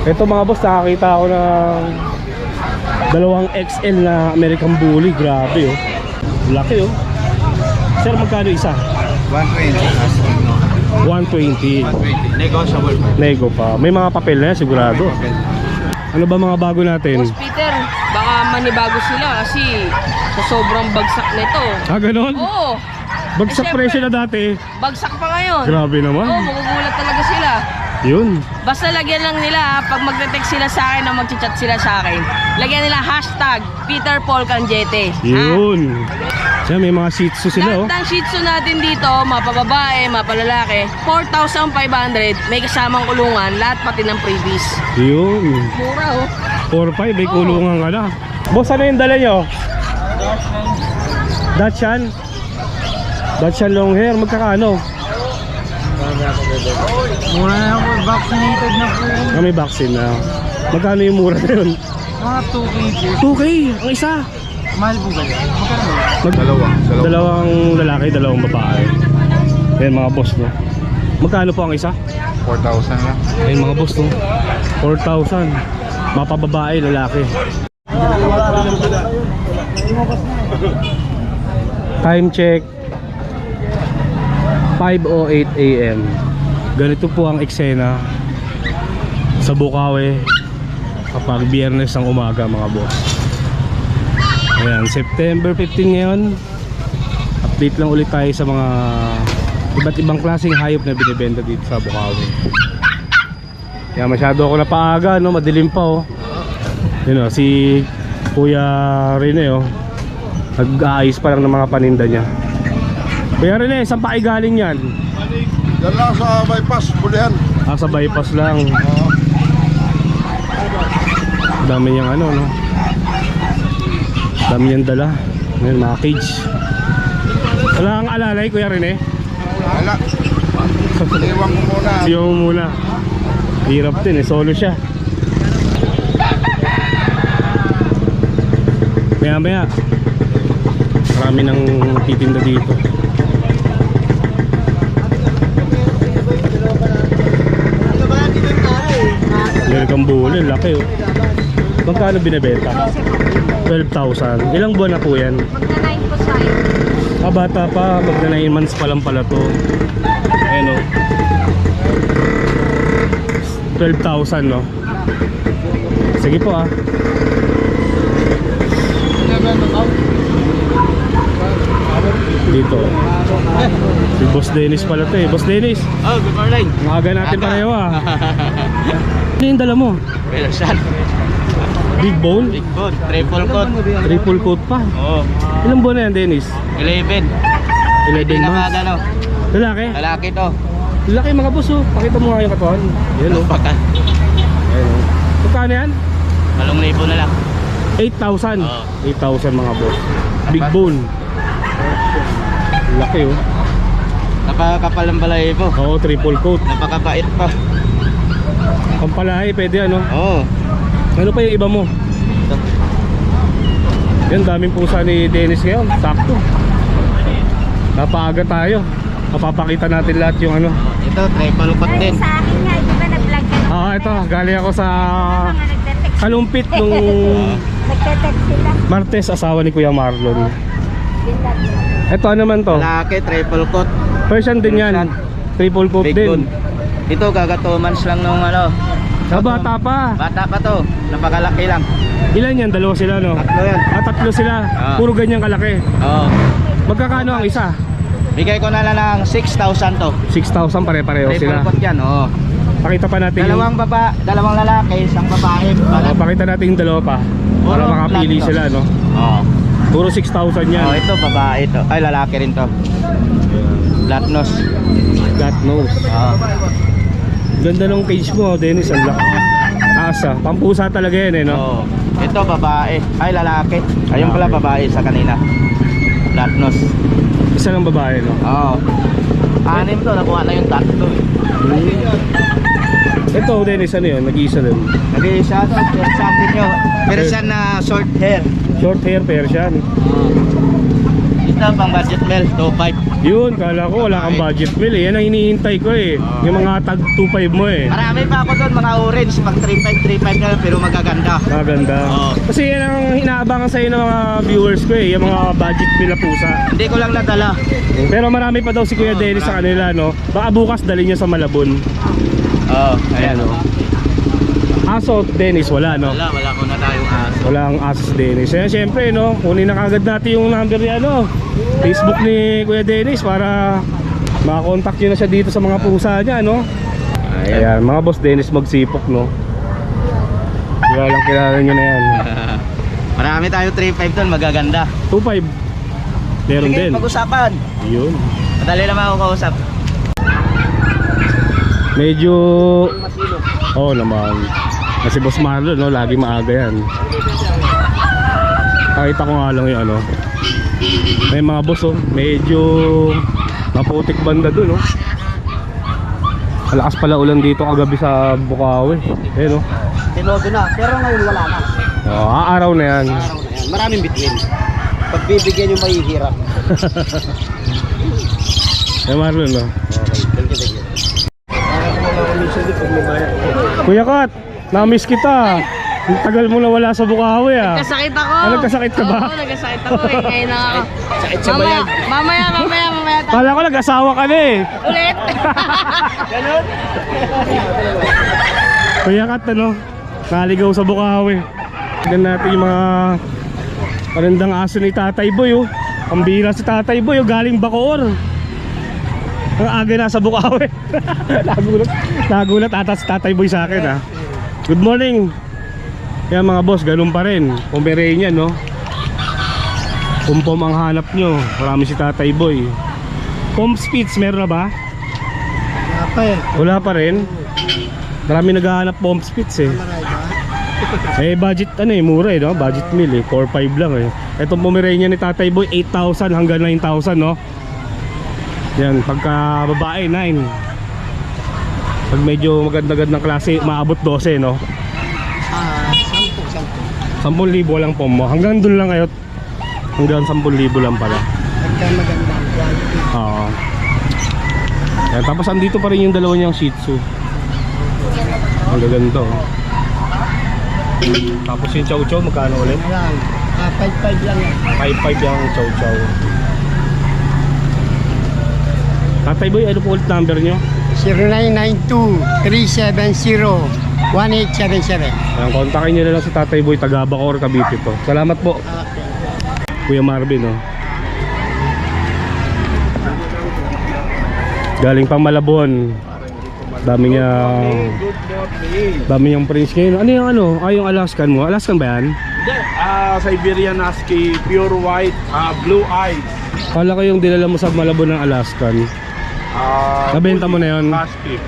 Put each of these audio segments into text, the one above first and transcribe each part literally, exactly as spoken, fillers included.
Ito mga boss, nakakita ako ng dalawang X L na American Bully. Grabe oh. Laki oh. Sir, magkano isa? one twenty. one twenty. one twenty. Negotiable. Nego pa. May mga papel na yan, sigurado. Ano ba mga bago natin? Boss Peter, baka manibago sila kasi sa sobrang bagsak nito. Ah, ganon? Oo. Bagsak Eh, presyo syempre, na dati. Bagsak pa ngayon. Grabe naman. Oo, magugulat talaga sila. Yun. Basta lagyan lang nila ha, pag magte-text sila sa akin o magchat sila sa akin, lagyan nila hashtag Peter Paul Canjete. Yun. Siya, may mga shih tzu sila oh. Lahat ng shih tzu natin dito, mapababae, mapalalaki, four thousand five hundred, may kasamang kulungan, lahat pati ng freebies. Yun. Mura oh. four five, may Oo. kulungan ka na. Boss, ano yung dala nyo? Dachshund? Dachshund long hair, magkakano? Mura na ako, vaccinated na po. Ah, may vaccine na. Magkano yung mura na yun? Mga two K. two K, ang isa. Mahal po ba yan? Magkano? Mag Dalawa. Dalawang lalaki, dalawang babae. Ayan mga boss no. Magkano po ang isa? four thousand lang. Ayan mga boss no. four thousand. Mapababae, lalaki. Time check five oh eight A M Ganito po ang eksena sa Bukawi kapag biyernes ng umaga mga boss. Ayan, September fifteen ngayon. Update lang ulit tayo sa mga iba't ibang klaseng hayop na binibenta dito sa Bukawi. Kaya masyado ako napaaga no, madilim pa oh. Yun oh, si Kuya Rene oh, nag-aayos pa lang ng mga paninda niya. Kuya Rene, saan pa kayo galing yan? Yan lang sa bypass, Bulihan. Ah, sa bypass lang. Dami niyang ano no, dami niyang dala. Ngayon mga cage. Wala kang alalay Kuya Rene? Wala. Iwan ko muna. Siyo mo muna. Hirap din eh, solo siya. Maya maya marami nang titinda dito. American Bully, laki oh. Magkano binibenta? twelve thousand. Ilang buwan na po yan? Magna-nine po tayo. Ah, bata pa, magna nine months pa lang pala to. Ayan oh. twelve thousand no. Sige po ah. Dito si Boss Dennis pala to eh. Boss Dennis, Oh, good morning. maaga natin pareho ah. Ano yung dala mo? Persian. Big bone? Big bone. Triple coat. Triple coat pa. Oo. Ilang buwan na yan Dennis? eleven. eleven months. Ano? Lalaki? Lalaki to. Lalaki mga boss oh. Pakita mo nga yung katawan. Yan oh. Baka. Ayan oh. Magkano yan? Malong libo na lang. eight thousand. Oo. eight thousand mga boss. Big bone. Laki oh. Napakakapal ng balahibo. Oo, triple coat. Napakabait pa. Pampalahi, pwede ano. Oo. Ano pa yung iba mo? Ito. Yan, daming pusa ni Dennis ngayon. Sakto. Napaaga tayo. Mapapakita natin lahat yung ano. Ito, triple coat din. Sa akin nga, di ba nag-vlog ka? Ah, ito. Galing ako sa Mga nagte-text. kalumpit nung Nagte-text sila. Martes, asawa ni Kuya Marlon. Ito ano naman to? Lalaki, triple coat. Persian din yan. Persian. Triple coat Big din. bone. Ito, gaga two months lang nung ano. Ah, bata pa. Bata pa to. Napakalaki lang. Ilan yan? Dalawa sila no? Tatlo yan. Ah, tatlo sila. Ah. Puro ganyan kalaki. Oo. Magkakano ang isa? Bigay ko na lang ng six thousand to. six thousand pare-pareho Triple sila. coat yan, oo. Pakita pa natin Dalawang baba, dalawang lalaki, isang babae. yung... Balat. Oh, pakita natin yung dalawa pa. Para Puro makapili flat to. sila no? Oo. Puro six thousand yan. Oh, ito babae to. Ay, lalaki rin to. Flat nose. God knows. Oo. Ganda ng cage mo Dennis. Ang laki. Asa. Pampusa talaga yan eh no? Oo. Ito babae. Ay, lalaki. Ayun pala babae sa kanina. Flat nose. Isa lang babae no? Oo. Anim to, nakuha na yung tatlo. Ito Dennis ano yun? Nag-iisa din. Nag-iisa to, Persian din yun. Persian na short hair. Short hair Persian. Oo. na pang budget meal, two five. Yun, kala ko wala kang budget meal eh. Yan ang hinihintay ko eh. Yung mga tag two five mo eh. Marami pa ako doon, mga orange, pang three five, three five na lang, pero magaganda. Maganda. Oo. Kasi yan ang inaabangan sa'yo ng mga viewers ko eh. Yung mga budget meal na pusa. Hindi ko lang nadala. Pero marami pa daw si Kuya Oo, Dennis sa marami. kanila, no? Baka bukas dali niya sa Malabon. Oo, ayan o. Aso, Dennis, wala, no? Wala, wala ko na tayong aso. Wala ang Asos Dennis. Kaya syempre, no? Kunin na kagad natin yung number ni ano, Facebook ni Kuya Dennis para makakontakt nyo na siya dito sa mga pusa niya, no? Ayan, mga boss Dennis magsipok, no? Kaya lang kilala nyo na yan. Marami tayong three five doon, magaganda. two five. Meron Sige, din. pag-usapan. Yun. Madali naman ako kausap. Medyo... Oo oh, naman. Kasi Boss Marlon, no? Lagi maaga yan. Nakita ko nga lang yung ano. May mga boss, oh. Medyo... maputik banda dun, no? Malakas pala ulan dito kagabi sa Bukawi. Eh, no? Tinodo na, pero ngayon wala na. Oo, aaraw na yan. Araw na yan. Maraming bituin. Pagbibigyan yung mahihirap. Eh, Marlon, no? Thank you, thank you. Kuya Kat, na-miss kita. Ang tagal mo na wala sa Bukawi, ah. Kasakit ako. Ah, nagkasakit ka ba? Oo, nagkasakit ako eh. Ngayon na ako. Sakit sa Mamaya, bayan. mamaya, mamaya, mamaya. tayo. Kala ko nag-asawa ka na, eh. Ulit. Ganon? Kuya Kat, ano? Naligaw sa Bukawi. Tignan natin yung mga parendang aso ni Tatay Boy, oh. Ang bira si Tatay Boy, oh. Galing Bacoor. Ang aga na sa Bukawi. Nagulat. Nagulat ata si Tatay Boy sa akin, ah. Good morning. Kaya mga boss, ganun pa rin. Pomeranian, no? Pumpom ang hanap nyo. Marami si Tatay Boy. Pom Spitz, meron na ba? Wala pa eh. Wala pa rin. Marami naghahanap Pom Spitz eh. Eh budget ano eh, mura eh, no? Budget meal eh, four five lang eh. Etong Pomeranian ni Tatay Boy, eight thousand hanggang nine thousand, no? Yan, pagka babae, nine. Pag medyo maganda-gandang klase, maabot twelve, no? Ah, sampu, sampu. ten thousand lang po mo. Hanggang dun lang kayo. Hanggang ten thousand lang pala. Pagka maganda. Oo. Yan, tapos andito pa rin yung dalawa niyang Shih Tzu. Ang gaganto. Tapos yung Chow Chow, magkano ulit? Lang. Ah, five five lang yan. five five yung Chow Chow. Tatay Boy, ano po ulit number nyo? zero nine nine two, three seven zero, one eight seven seven. Ayan, kontakin nyo na lang si Tatay Boy, taga Bacoor, Cavite po. Salamat po, Kuya Marvin, oh. Galing pang Malabon. Dami niya, dami niyang prince ngayon. Ano yung ano? Ah, yung Alaskan mo? Alaskan ba yan? Ah, Siberian Husky, pure white, ah, blue eyes. Kala ko yung dinala mo sa Malabon ng Alaskan. Ah, Nabenta mo na yun? Husky.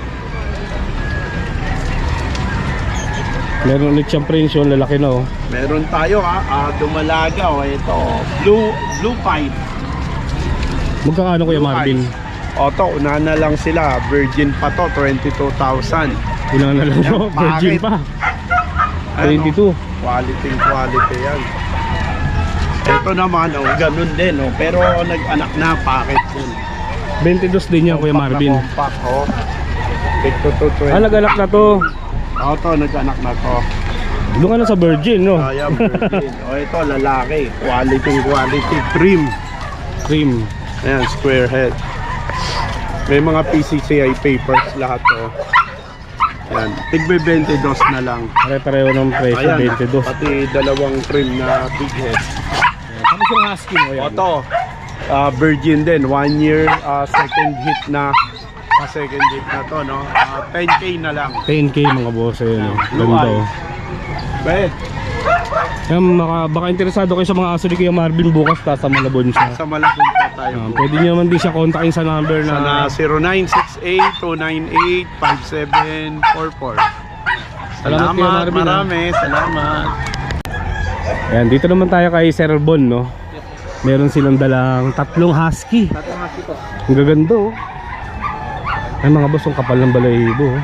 Meron ulit siyang prince yun, lalaki na, oh. Meron tayo ha, ah, dumalaga o ito, blue blue pipe. Magkakano, Kuya Marvin? O to, una na lang sila, virgin pa to, twenty-two thousand. Ilang na lang, no? Virgin Bakit? pa. twenty-two. Quality quality yan. Ito naman, oh, ganun din, oh, pero nag-anak na, packet din. twenty-two din yan, Kuya Compact na Marvin. compact, oh. Ito to, twenty. Ah, nag-anak na to. O to, nag-anak na to. Doon ka na sa Virgin, no? Kaya virgin. O ito, lalaki. Quality quality. Cream. Cream. Ayan, square head. May mga P C C I papers lahat to. Yan, tigbe twenty-two na lang. Pare-pareho ng presyo, Ayan, twenty-two. pati dalawang trim na big head. Tapos yung husky mo yan. Ito, ah, virgin din, one year, ah, second hit na. Ah, second hit na to, no? Ah, ten K na lang. ten K mga boss, ayun, no? Blue Ganda, eye. oh. Bet, Yan, maka, baka interesado kayo sa mga aso ni Kuya Marvin bukas, ta sa Malabon siya. sa Malabon po tayo. Ah, pwede nyo naman din siya kontakin sa number Sa na na zero nine six eight, two nine eight, five seven four four. Salamat, Kuya Marvin, marami, salamat. Ayan, dito naman tayo kay Sir Bon, no? Meron silang dalang tatlong husky. Ang gaganda, oh. Ay mga boss, ang kapal ng balahibo, oh.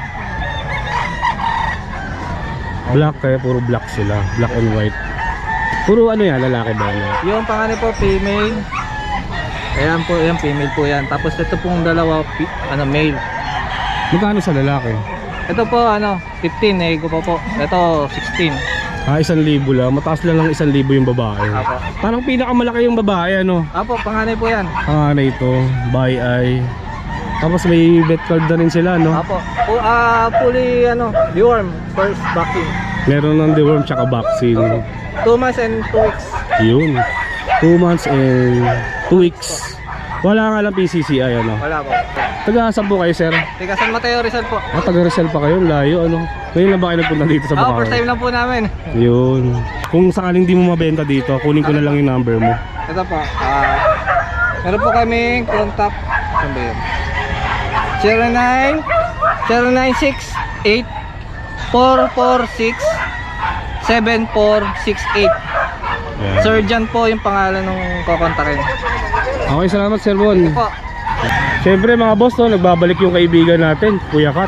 Black, kaya puro black sila. Black and white. Puro ano yan, lalaki ba yan? Yung panganay po, female. Ayan po, yan female po yan. Tapos ito pong dalawa, pi- ano, male. Magkano sa lalaki? Ito po, ano, fifteen, eh, ko po po. Ito, sixteen. Ah, isang libo lang. Mataas lang ng isang libo yung babae. Apo. Parang pinakamalaki yung babae, ano? Apo, panganay po yan. Ang ano ito, by eye. Tapos may vet card na rin sila, no? Apo. Po, ah, fully, ano, deworm, first vaccine. Meron ng deworm tsaka vaccine. Two months and two weeks. Yun. Two months and two weeks. Wala nga lang P C C I, ano? Wala po. Taga-asan po kayo, sir? Tiga San Mateo Rizal po. Ah, taga Rizal pa kayo, layo, ano? Ngayon lang ba kayo nagpunta dito sa Ah, Bukawi? first time lang po namin. Yun. Kung sakaling di mo mabenta dito, kunin ko na lang yung number mo. Ito po, ah, meron po kaming contact. Saan ba yun? zero nine zero nine six eight four four six seven four six eight. Yan. Sir John po yung pangalan ng kukontakin. Okay, salamat, Sir Bon. Po. Siyempre mga boss, no, nagbabalik yung kaibigan natin, Kuya Kat.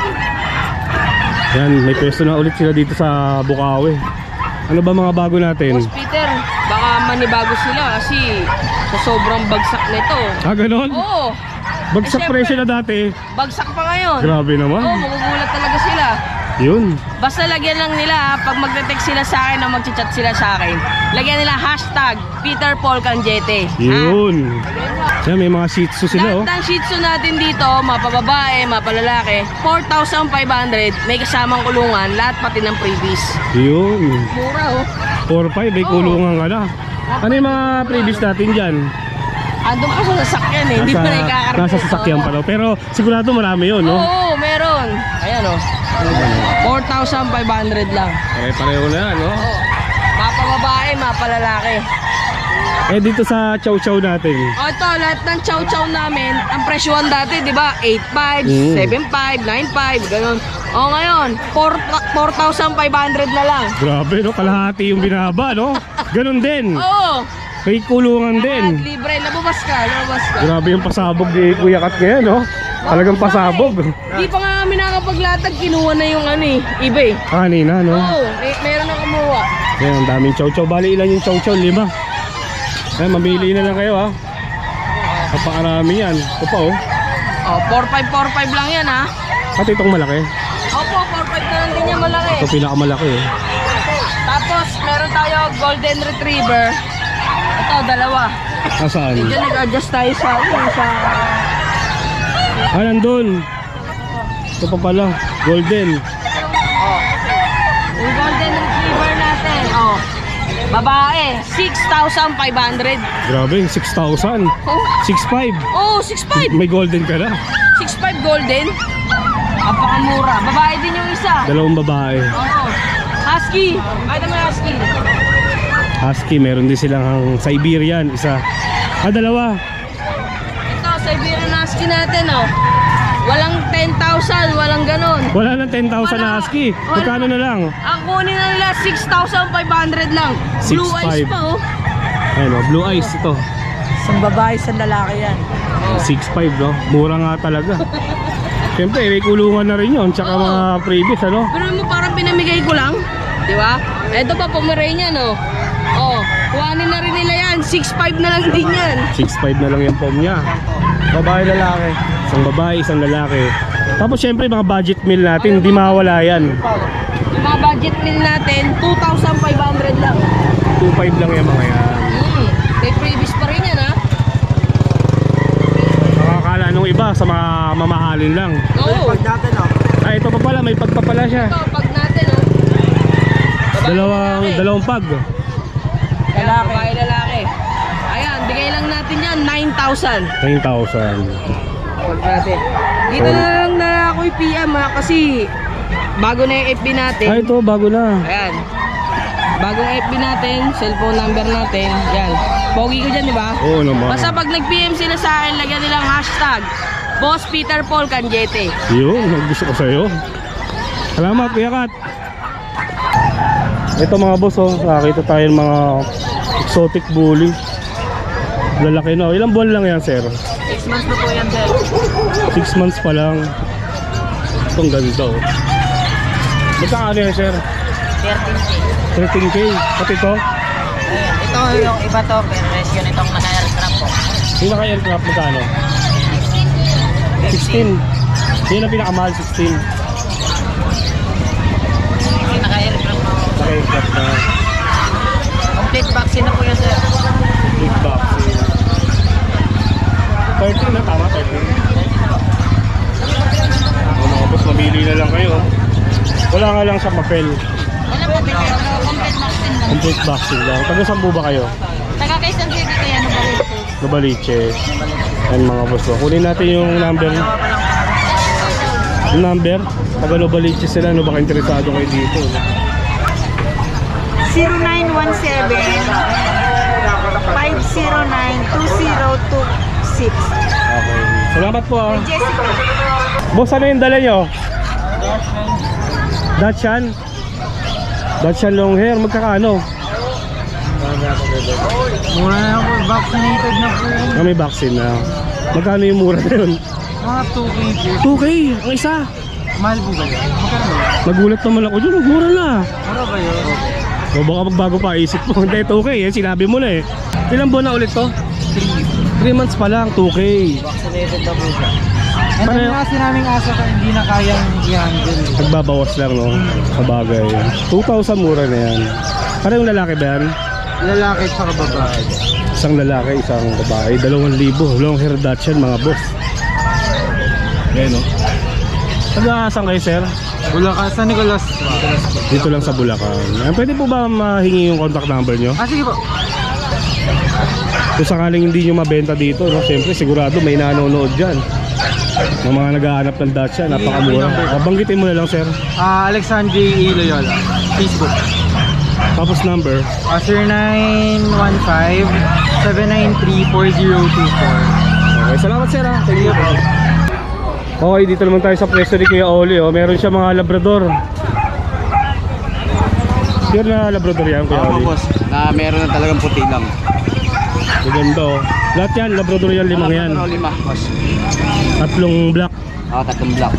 Yan, may pwesto na ulit sila dito sa Bukawi. Ano ba mga bago natin? Boss Peter, baka manibago sila kasi sa sobrang bagsak nito. Ah, ganon? Oo, Bagsak Eh, syempre. presyo na dati. bagsak pa ngayon. Grabe Oo, naman. magugulat talaga sila. Yun. Basta lagyan lang nila ha, pag magte-text sila sa akin o magchat sila sa akin, lagyan nila hashtag Peter Paul Canjete. Yun. Yan, may mga shih tzu sila, oh. Lahat ng shih tzu natin dito, mapababae, mapalalaki, four thousand five hundred, may kasamang kulungan, lahat pati ng freebies. Yun. Mura oh. four five, may Oo. kulungan ka na. Ano yung mga previous natin dyan? Andun pa sa sasakyan eh, hindi pa na ikakarapit. nasa sasakyan pa daw. Pero sigurado marami yun, no? Oo, meron. Ayan oh. four thousand five hundred lang. Pare-pareho na yan, no? Oo. Mapababae, mapalalaki. Eh, dito sa chow chow natin. O ito, lahat ng chow-chow namin, ang presyohan dati, di ba? eight five, Mm. seven five, nine five, ganun. O ngayon, four thousand five hundred na lang. Grabe, no? Kalahati yung binaba, no? Ganun din. Oo. May kulungan din. At libre, lababas ka, lababas ka. Grabe yung pasabog ni Kuya Kat ngayon, no? Talagang pasabog. Di pa nga kami nakapaglatag, kinuha na yung ano eh, eBay. Kanina, no? Oo, may, meron na kumuha. Yan, ang daming chow chow. Bali, ilan yung chow chow? Lima. Eh, mamili na lang kayo, ha? Napakarami yan. Ito pa, oh. O, four five four five lang yan ha. Pati itong malaki. Opo, four five na lang din yan malaki. Ito pinakamalaki, eh. Tapos, meron tayo golden retriever. Ito, dalawa. Nasaan? Diyan nag-adjust tayo sa, ano, sa Ah, nandun. Ito pa pala. Golden. yung golden retriever natin. Oh, babae, six thousand five hundred. Grabe, six thousand. Oh, six five. oh six five. May golden ka na. six five golden. Napakamura. Babae din yung isa. Dalawang babae. Oo. Husky. Ay, naman husky. Husky, meron din silang Siberian. Isa. Ah, dalawa. Ito, Siberian husky natin, oh. Walang ten thousand, walang ganon. Wala nang ten thousand na husky. Magkano na lang? Ang kunin na nila, six thousand five hundred lang. Blue six eyes five. pa, oh. Ayun, oh, blue eyes ito. Isang babae, isang lalaki yan. six five, no? Mura nga talaga. Siyempre, may kulungan na rin yun. Tsaka Oo. mga previous, ano? Pero mo parang pinamigay ko lang. Di ba? Ito pa, Pomeranian, oh. Oh, kuhanin na rin nila yan. six five na lang din yan. six five na lang yung pom niya. Babae, lalaki. Isang babae, isang lalaki. Tapos syempre mga budget meal natin, hindi mawala yan. Yung mga budget meal natin, two thousand five hundred lang. two five lang yung mga yan. Hmm, may freebies pa rin yan, ha? Nakakala nung iba sa mga mamahalin lang. Oo. Ah, ito pa pala, may pagpapala siya. Ito, pag natin, oh. Babae, Dalawang, lalaki. dalawang pag. Lalaki. Babae, lalaki. Ayan, bigay lang natin yan, nine thousand. nine thousand. Huwag natin. Dito na lang na ako i-P M, ha? Kasi bago na yung F B natin. Ah, ito, bago na. Ayan. Bagong F B natin, cellphone number natin. Yan. Pogi ko dyan, di ba? Oo naman. Basta pag nag-P M sila sa akin, lagyan nilang hashtag Boss Peter Paul Canjete. Yun, gusto ko sa'yo. Salamat, Kuya Kat. Ito mga boss, oh, nakakita tayo ng mga exotic bully. Lalaki na. Ilang buwan lang yan, sir? six months na po yan, sir. six months pa lang. Itong ganito, oh. Magkano yan, sir? thirteen K. thirteen K. Pati ito? Ito yung iba to, pero resyo nitong naka-airstrap po. Pinaka-aircraft magkano? sixteen. Yun ang pinakamahal, sixteen. Naka-aircraft mo. Naka-aircraft na. Complete vaccine na po yan, sir. Big vaccine. thirteen na, tama, thirteen. O mga boss, mamili na lang kayo. Wala nga lang sa papel. Wala po, pero complete vaccine lang. Complete vaccine lang. Taga saan po ba kayo? Taga Quezon City kaya ano ba rin? Novaliches. Ayan mga boss. O, kunin natin yung number. Yung number. Taga Novaliches sila. Ano baka interesado kayo dito? zero nine one seven, five zero nine, two zero two six. Okay. Salamat po ah. Jessica. Boss, ano yung dala nyo? Dachshund? Dachshund long hair. Magkakano? Mura na ako, vaccinated na po. Ah, may vaccine na. Magkano yung mura na yun? Mga two K. two K ang isa. Mahal po ba yan? Magkano ba? Nagulat naman ako dyan. Mura na. Mura ba yun? O baka magbago pa isip mo. Hindi, two K eh. Sinabi mo na eh. Ilang buwan na ulit to? three months pa lang, two K. Vaccinated na po siya. And Pareho- then kasi naming aso ka hindi na kayang i-handle. Nagbabawas lang no, sa bagay. two thousand mura na yan. Parang lalaki ba yan? Lalaki at saka babae. Isang lalaki, isang babae. Dalawang libo. Long hair Dachshund mga boss. Ayan no. Taga-asan kayo sir? Bulacan, San Nicolas. Dito lang sa Bulacan. Ayan, pwede po ba mahingi yung contact number nyo? Ah, sige po. Kung sakaling hindi nyo mabenta dito, no? Siyempre sigurado may nanonood dyan. Ng mga naghahanap ng Dachshund, napakamura. Ah, banggitin mo na lang sir. Ah, Alexandre E. Loyola. Facebook. Tapos number. Ah, zero nine one five, seven nine three, four zero two four. Okay, salamat sir ha. Thank you. Okay, dito naman tayo sa pwesto ni Kuya Oli. Oh. Meron siya mga labrador. Pure na labrador yan, Kuya Oo, Oli. boss. Na meron na talagang puti lang. Maganda oh. Lahat yan, labrador yan, limang yan. Ano, lima, boss. Tatlong black. Oo, tatlong black.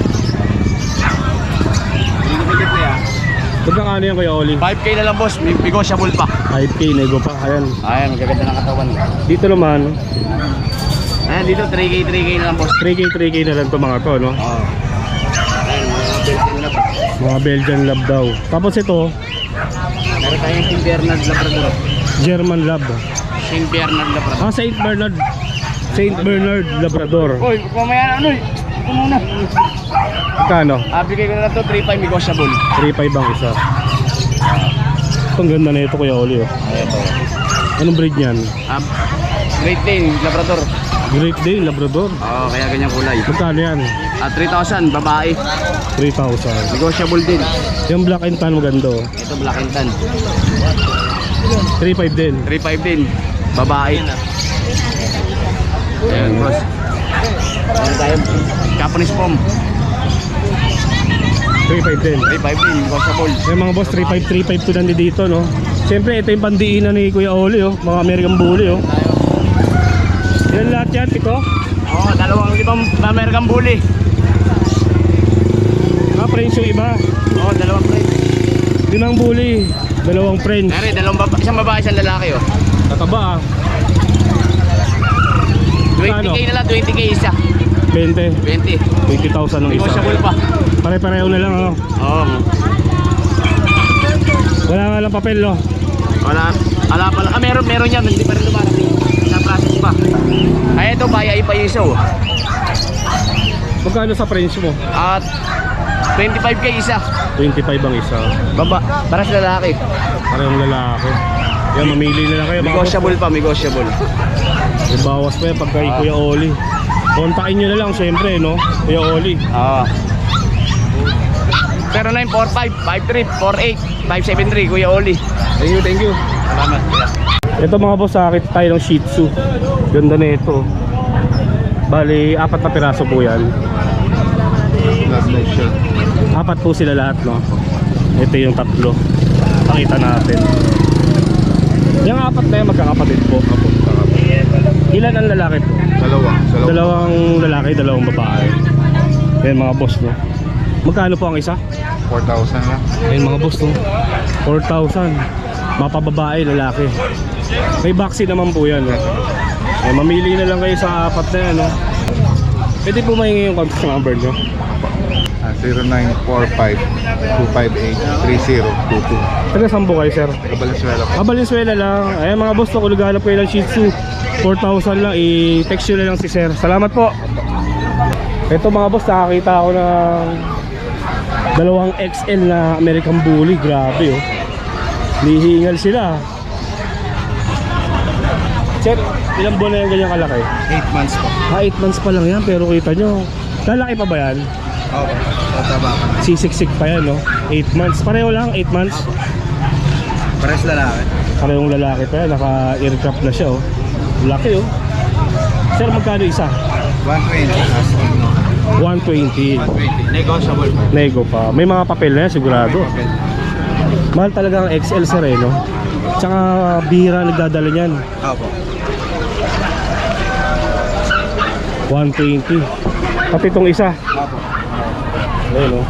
Pinipigit na yan. Magkakano yan, Kuya Oli? five K na lang, boss. May negotiable pa. five K, nego pa. Ayan. Ayan, magaganda ng katawan. Dito naman, Ayan, dito three K, three K na lang, boss. three K, three K na lang to mga to, no? Oo. Ayan, mga Belgian na pa. Mga Belgian Lab daw. Tapos ito, Meron tayong Saint Bernard Labrador. German Lab. Saint Bernard Labrador. Ah, Saint Bernard. Saint Bernard Labrador. Uy, kumaya ano eh. Ito muna. Magkano? Ah, bigay ko na lang to, three five negotiable. three five ang isa. Ito, ang ganda na ito, Kuya Oli. Oh. Ayan to. Anong breed niyan? Ah, Great Dane Labrador. Great Dane Labrador. Oo, kaya ganyan kulay. Magkano yan? Ah, three thousand, babae. three thousand. Negotiable din. Yung black and tan maganda. Oh. Ito, Black and Tan. three five din. three five din, babae. Ayan, boss. Ayan tayo. Japanese Pom. three five din. three five din, negotiable. Yung mga boss, three five, three five to nandito dito, no? Siyempre, ito yung pandiinan ni Kuya Oli, oh. Mga American Bully, oh. Yan lahat yan, ito. Oo, dalawang libang American Bully. Ah, French yung iba. Oo, dalawang French. Limang Bully, dalawang French. Meron, dalawang baba, isang babae, isang lalaki, oh. Tataba, ah. twenty K na lang, twenty K isa. twenty. twenty. twenty thousand ng isa. Negotiable pa. Pare-pareho na lang, oh. Oo. Wala nga lang papel, no? Wala, wala pa lang. Ah, meron, meron yan. Hindi pa rin lumarating. Sa process pa. Ay, ito, bayay pa yung isa, oh. Magkano sa French mo? At twenty-five K isa. twenty-five ang isa. Baba, para sa lalaki. Parehong lalaki. Yan, mamili na lang kayo. mga Negotiable pa, negotiable. boss. May bawas pa yan pag kay Kuya Oli. Kontakin nyo na lang, syempre, no? Kuya Oli. Oo. zero nine four five, five three four eight, five seven three, Kuya Oli. Thank you, thank you. Salamat. Ito mga boss, sakit tayo ng Shih Tzu. Ganda na ito. Bali, apat na piraso po yan. Apat po sila lahat, no? Ito yung tatlo. Pakita natin. Yung apat na yan, magkakapatid po. Ilan ang lalaki po? Dalawa. Dalawa. Dalawang lalaki, dalawang babae. Yan mga boss, no? Magkano po ang isa? four thousand lang. Ayun mga boss, no? four thousand. Mapababae, lalaki. May vaccine naman po yan, no? Eh, mamili na lang kayo sa apat na yan, no? Pwede po mahingi yung contact number nyo. Ah, zero nine four five two five eight three zero two two. Taga saan po kayo, sir? Valenzuela po. Ah, Valenzuela lang. Ayan mga boss, kung naghahanap kayo ng Shih Tzu, four thousand lang, i-text nyo na lang si sir. Salamat po. Ito mga boss, nakakita ako ng dalawang X L na American Bully. Grabe oh. Nihingal sila. Sir, ilang buwan na yung ganyan kalaki? eight months po. Ah, eight months pa lang yan, pero kita nyo, lalaki pa ba yan? Okay. Tataba ka. Sisiksik pa yan, no? eight months. Pareho lang, eight months. Pares lalaki. Parehong lalaki pa yan, naka-aircraft na siya, oh. Laki, oh. Sir, magkano isa? one twenty. one twenty. one twenty. Negotiable po. Nego pa. May mga papel na yan, sigurado. Mahal talaga ang X L, sir, eh, no? Tsaka bihira nagdadala niyan. Opo. one twenty. Pati itong isa. Opo. Ayun, oh.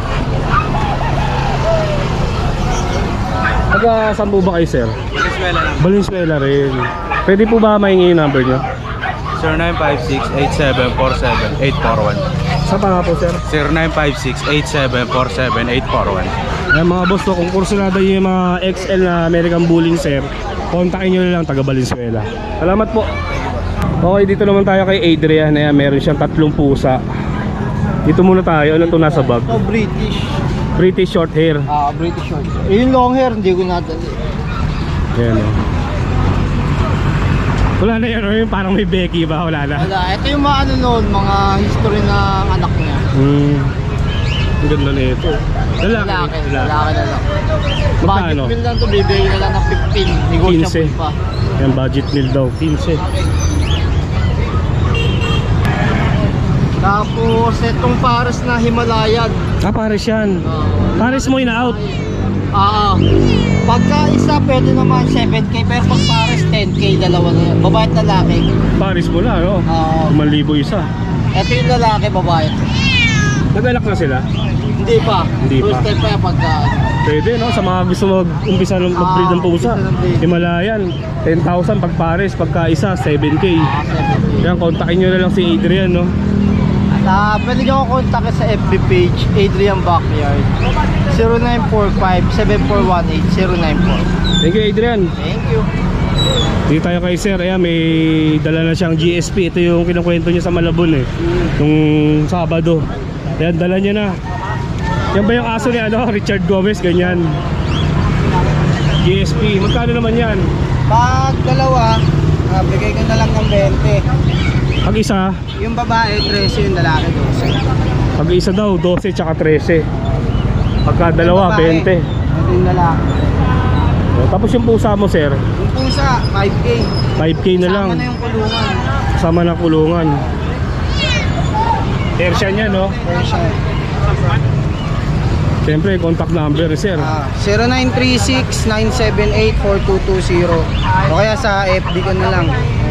Taga saan po ba kayo, sir? Venezuela lang. Valenzuela rin. Pwede po ba mahingi yung number nyo? zero nine five six eight seven four seven eight four one. Sa pa nga po, sir? zero nine five six eight seven four seven eight four one. Ayan mga boss, no, kung kursunada yung mga X L na American Bully, sir, kontakin nyo na lang taga Valenzuela. Salamat po. Okay, dito naman tayo kay Adrian. Ayan, meron siyang tatlong pusa. Dito muna tayo. Ano ito nasa bag? Oh, British. British short hair. Ah, British short. Eh, yung long hair, hindi ko nadali. Ayan, oh. Wala na yan, oh, yung parang may Becky ba? Wala na. Wala, ito yung mga ano noon, mga history ng anak niya. Hmm. Ang ganda na ito. Lalaki. Lalaki, lalaki na lang. Magkano? Budget meal lang to, bibigay na lang ng fifteen. Negotiable pa. Yan, budget meal daw. fifteen. Tapos, itong Paris na Himalayan. Ah, Paris yan. Paris mo ina-out. Ah, pagka isa pwede naman seven K, pero pag Paris ten K, dalawa na yan. Babae at lalaki. Paris mo na, no? Ah, one libo isa. ito yung lalaki, babae. Nag-alak na sila? Hindi pa. Hindi First pa. time pa yan pagka. Pwede, no? Sa mga gusto mag-umpisa ng mag-breed ng pusa. Ah, umpisa ng breed. Himalayan, ten thousand pag Paris, pagka isa, seven K. Ah, seven K. Yan, kontakin nyo na lang si Adrian, no? Ah, pwede nyo ako kontakin sa F B page, Adrian Backyard. zero nine four five seven four one eight zero nine four. Thank you, Adrian. Thank you. Dito tayo kay sir. Ayan, may dala na siyang G S P. Ito yung kinukwento niya sa Malabon, eh. Nung Sabado. Ayan, dala niya na. Yan ba yung aso ni ano, Richard Gomez? Ganyan. G S P. Magkano naman yan? Pag dalawa, ah, bigay ko na lang ng twenty. Pag isa, Yung babae, thirteen, yung lalaki, twelve. pag isa daw, twelve tsaka thirteen. Pagka dalawa, Babae, twenty. Ito yung lalaki. O, tapos yung pusa mo, sir, Yung pusa, five K. five K na lang. Sama na yung kulungan. Kasama na kulungan. Persian yan, no? Persian. Siyempre, contact number, sir. Ah, zero nine three six nine seven eight four two two zero. O kaya sa F B ko na lang.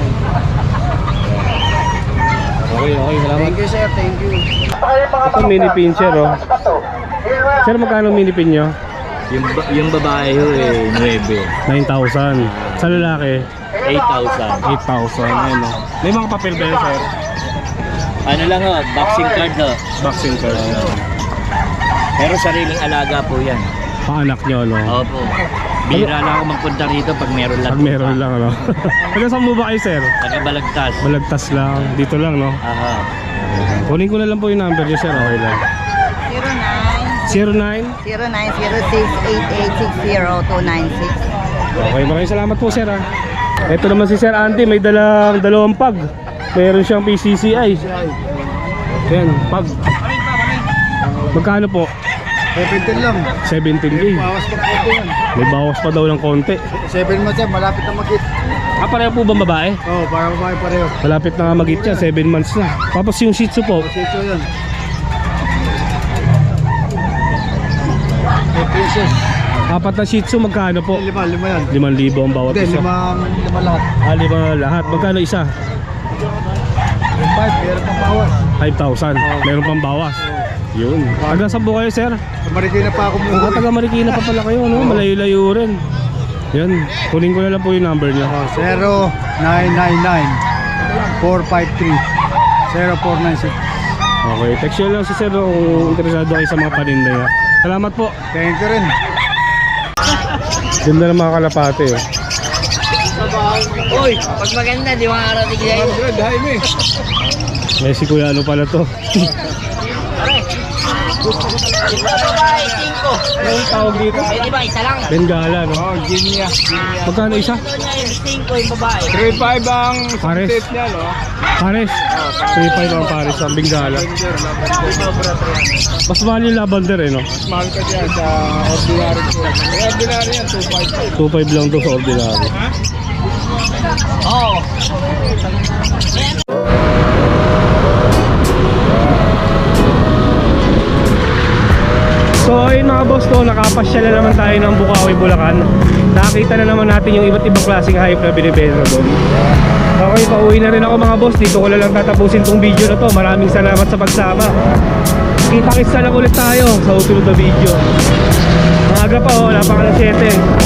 Okay, okay, salamat. Thank you, sir. Thank you. Ito mini pincher, oh. Sir, magkano mini pin nyo? Yung, yung babae ho eh, nueve. nine thousand. Sa lalaki, eight thousand. eight thousand. Ayun, oh. May mga papel ba yun, sir? Ano lang ho, boxing card ho. Vaccine card. Pero sariling alaga po yan. Paanak nyo, no? Opo. Bira lang ako magpunta rito pag meron lang. Pag meron lang, ano? Taga saan mo ba kayo, sir? Taga-balagtas. Balagtas lang. Dito lang, no? Aha. Kunin ko na lang po yung number niyo, sir. Okay lang. zero nine zero nine. zero nine zero six eight eight six zero two nine six. Okay, maraming salamat po, sir, ha. Ito naman si Sir Andy, may dalang dalawang pag. Meron siyang P C C I. Yan, pag. Magkano po? seventeen lang. seventeen K. Bawas pa po yan. May bawas pa daw ng konti. seven months yan, malapit na mag-hit. Ah, pareho po bang babae? Oo, oh, para babae pareho. Malapit na nga mag-hit yan, seven months na. Tapos yung Shih Tzu po, Sito yan. May pieces. apat na Shih Tzu, magkano po? Lima, lima yan. limang libo ang bawat Hindi, isa. lima, lima lahat. Ah, lima lahat. Magkano isa? Yung five, meron pang bawas. five thousand. Meron pang bawas. Yun. Taga saan po kayo, sir? Sa Marikina pa ako Ah, muna. taga Marikina pa pala kayo, no? Malayo-layo rin. Yan. Kunin ko na lang po yung number niyo. zero nine nine nine four five three, zero four nine six. Okay, text nyo lang si sir kung interesado kayo sa mga paninda niya. Salamat po. Thank you rin. Ganda ng mga kalapate eh. Uy, pag maganda, di makakarating sa'yo. May si Kuya ano pala to. Babae, cinco. Anong tawag dito? Eh, di ba, isa lang? Bengala, no? Oh, Ginia. Magkano isa? Ito niya yung cinco, yung babae. three five ang Pares. set niya, no? Pares. three five ang pares ang Bengala. Mas mahal yung lavender eh, no? Mahal ka dyan sa ordinary ko. May ordinary yan, two five. two five lang to sa ordinary. Oo. So ayun mga boss ko, nakapasyal na naman tayo ng Bukawi, Bulacan. Nakakita na naman natin yung iba't ibang klaseng hayop na binibenta doon. Okay, pauwi na rin ako mga boss. Dito ko na lang tatapusin tong video na to. Maraming salamat sa pagsama. Kita-kits na lang ulit tayo sa susunod na video. Maaga pa oh, wala pa ka ng siyete.